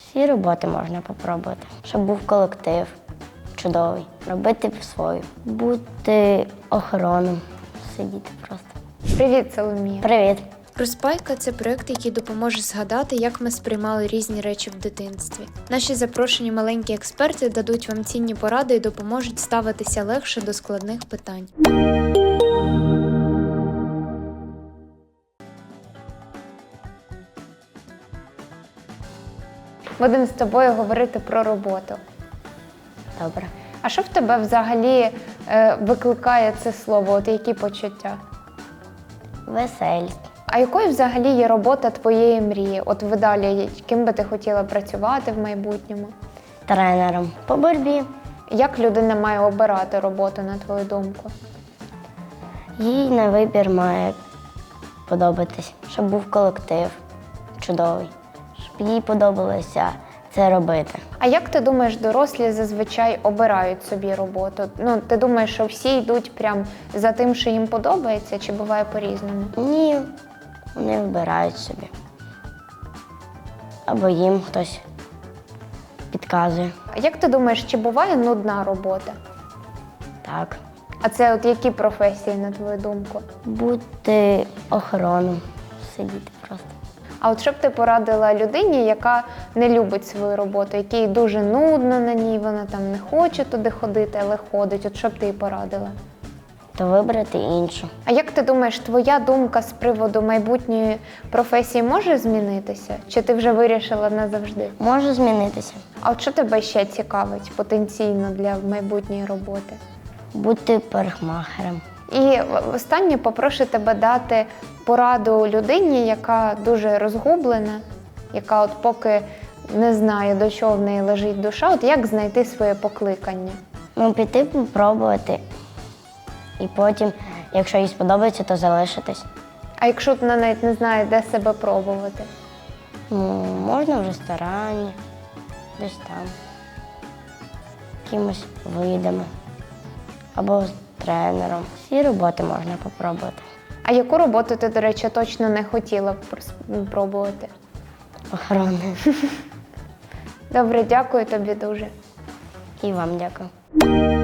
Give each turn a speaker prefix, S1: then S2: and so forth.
S1: Всі роботи можна попробувати, щоб був колектив чудовий, робити свою, бути охороном, сидіти просто.
S2: Привіт, Соломія.
S1: Привіт!
S3: Розпайка – це проєкт, який допоможе згадати, як ми сприймали різні речі в дитинстві. Наші запрошені маленькі експерти дадуть вам цінні поради і допоможуть ставитися легше до складних питань.
S2: Будемо з тобою говорити про роботу.
S1: Добре.
S2: А що в тебе взагалі викликає це слово? От які почуття?
S1: Веселість.
S2: А якою взагалі є робота твоєї мрії? От ви далі, ким би ти хотіла працювати в майбутньому?
S1: Тренером по боротьбі.
S2: Як людина має обирати роботу, на твою думку?
S1: Їй на вибір має подобатись, щоб був колектив чудовий, щоб їй подобалося це робити.
S2: А як ти думаєш, дорослі зазвичай обирають собі роботу? Ну, ти думаєш, що всі йдуть прям за тим, що їм подобається, чи буває по-різному?
S1: Ні, вони вибирають собі. Або їм хтось підказує.
S2: А як ти думаєш, чи буває нудна робота?
S1: Так.
S2: А це от які професії, на твою думку?
S1: Бути охороном, сидіти просто.
S2: А от що б ти порадила людині, яка не любить свою роботу, якій дуже нудно на ній, вона там не хоче туди ходити, але ходить. От що б ти їй порадила?
S1: То вибрати іншу.
S2: А як ти думаєш, твоя думка з приводу майбутньої професії може змінитися? Чи ти вже вирішила назавжди?
S1: Може змінитися.
S2: А от що тебе ще цікавить потенційно для майбутньої роботи?
S1: Бути парикмахером.
S2: І останнє попрошу тебе дати пораду людині, яка дуже розгублена, яка от поки не знає, до чого в неї лежить душа, от як знайти своє покликання?
S1: Ну, піти попробувати. І потім, якщо їй сподобається, то залишитись.
S2: А якщо вона навіть не знає, де себе пробувати?
S1: Ну, можна в ресторані, десь там, якимось видами, або з тренером. Всі роботи можна попробувати.
S2: А яку роботу ти, до речі, точно не хотіла б пробувати?
S1: Охорони.
S2: Добре, дякую тобі дуже.
S1: І вам дякую.